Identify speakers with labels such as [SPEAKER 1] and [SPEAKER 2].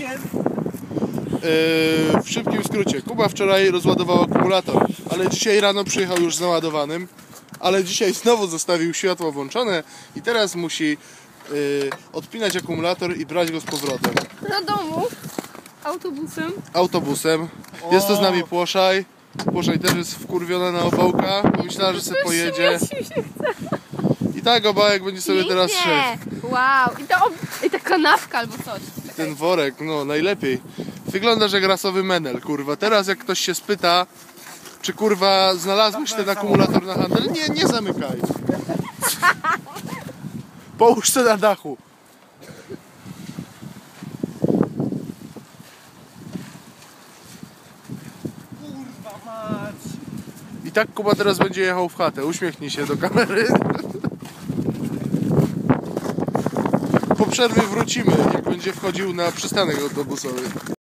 [SPEAKER 1] W szybkim skrócie, Kuba wczoraj rozładował akumulator, ale dzisiaj rano przyjechał już z naładowanym, ale dzisiaj znowu zostawił światło włączone i teraz musi odpinać akumulator i brać go z powrotem.
[SPEAKER 2] Do domu
[SPEAKER 1] Autobusem. Jest to z nami Płoszaj. Płoszaj też jest wkurwiona na Obałka. Myślała, że sobie pojedzie. I tak Obałek będzie sobie teraz szedł.
[SPEAKER 2] Wow, i ta kanapka albo coś.
[SPEAKER 1] Ten worek, no najlepiej. Wyglądasz jak rasowy menel, kurwa. Teraz jak ktoś się spyta, czy kurwa znalazłeś ten akumulator na handel? Nie zamykaj. Połóż się na dachu.
[SPEAKER 3] Kurwa mać!
[SPEAKER 1] I tak Kuba teraz będzie jechał w chatę. Uśmiechnij się do kamery. Po przerwie wrócimy, jak będzie wchodził na przystanek autobusowy.